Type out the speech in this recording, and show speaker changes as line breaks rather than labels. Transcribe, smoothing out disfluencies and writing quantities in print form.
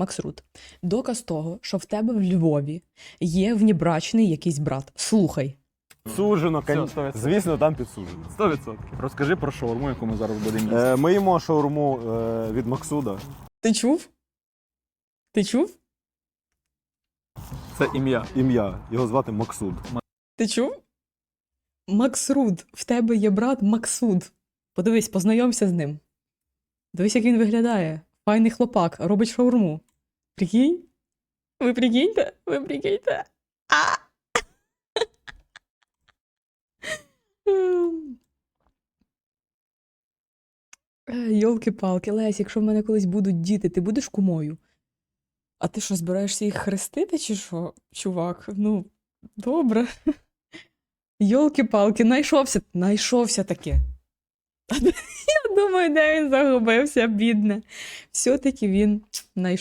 Максрут, доказ того, що в тебе в Львові є внебрачний якийсь брат. Слухай.
Підсуджено,
Все, 100%.
звісно, там підсуджено.
100%. Розкажи про шаурму, яку ми зараз будемо їсти.
Ми їмо шаурму від Максуда.
Ти чув? Ти чув?
Це ім'я.
Ім'я. Його звати Максуд.
Ти чув? Максруд. В тебе є брат Максуд. Подивись, познайомся з ним. Дивись, як він виглядає. Файний хлопак, робить шаурму. Прикинь? Ви прикиньте? Ви прикиньте? А! Йолки-палки, Лесь, якщо в мене колись будуть діти, ти будеш кумою? А ти що, збираєшся їх хрестити, чи що, чувак? Ну, добре. Йолки-палки, найшовся таки. Я думаю, де він загубився, бідне. Все-таки він знайшов.